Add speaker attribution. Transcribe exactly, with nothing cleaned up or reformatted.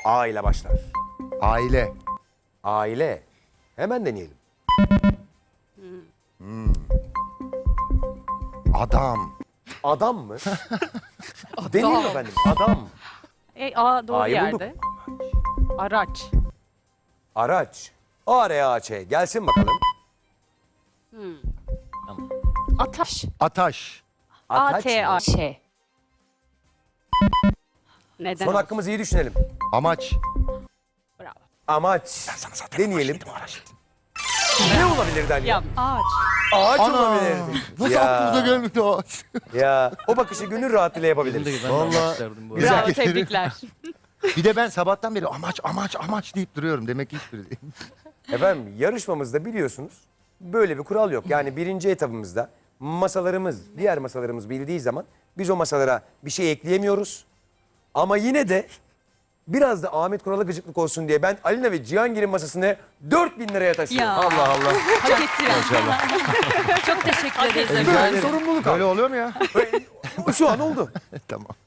Speaker 1: A ile başlar.
Speaker 2: Aile.
Speaker 1: Aile. Hemen deneyelim.
Speaker 2: Adam.
Speaker 1: Adam mı? Deneyelim efendim. Adam.
Speaker 3: E, A doğru
Speaker 1: A'yı bulduk.
Speaker 3: yerde. Araç.
Speaker 1: Araç. A R A Ç. Gelsin bakalım.
Speaker 3: Ataş.
Speaker 2: Ataş.
Speaker 3: A
Speaker 1: Ataç
Speaker 3: T A
Speaker 1: mı?
Speaker 3: Ş. Neden?
Speaker 1: Son
Speaker 3: olsun?
Speaker 1: hakkımızı iyi düşünelim.
Speaker 2: Amaç.
Speaker 3: Bravo.
Speaker 1: Amaç. Deneyelim. Ne olabilirdi anne?
Speaker 3: Ya, ağaç.
Speaker 1: Ağaç
Speaker 2: Ana.
Speaker 1: olabilirdi.
Speaker 2: Nasıl
Speaker 1: Ya.
Speaker 2: aklımıza gelmedi o ağaç?
Speaker 1: Ya o bakışı gönül rahatlığıyla yapabiliriz.
Speaker 2: Vallahi
Speaker 1: Güzel.
Speaker 3: Bravo, tebrikler.
Speaker 2: Bir de ben sabahtan beri amaç amaç amaç deyip duruyorum. Demek ki hiçbiri değil.
Speaker 1: Efendim yarışmamızda biliyorsunuz böyle bir kural yok. Yani birinci etabımızda masalarımız, diğer masalarımız bildiği zaman biz o masalara bir şey ekleyemiyoruz. Ama yine de biraz da Ahmet Kural'a gıcıklık olsun diye ben Alina ve Cihangir'in masasını dört bin liraya taşıyorum.
Speaker 3: Ya.
Speaker 2: Allah Allah.
Speaker 3: Hak ettiler. Çok teşekkür ederiz efendim.
Speaker 1: Böyle sorumluluk al.
Speaker 2: Böyle oluyor mu ya?
Speaker 1: Şu an oldu.
Speaker 2: Tamam.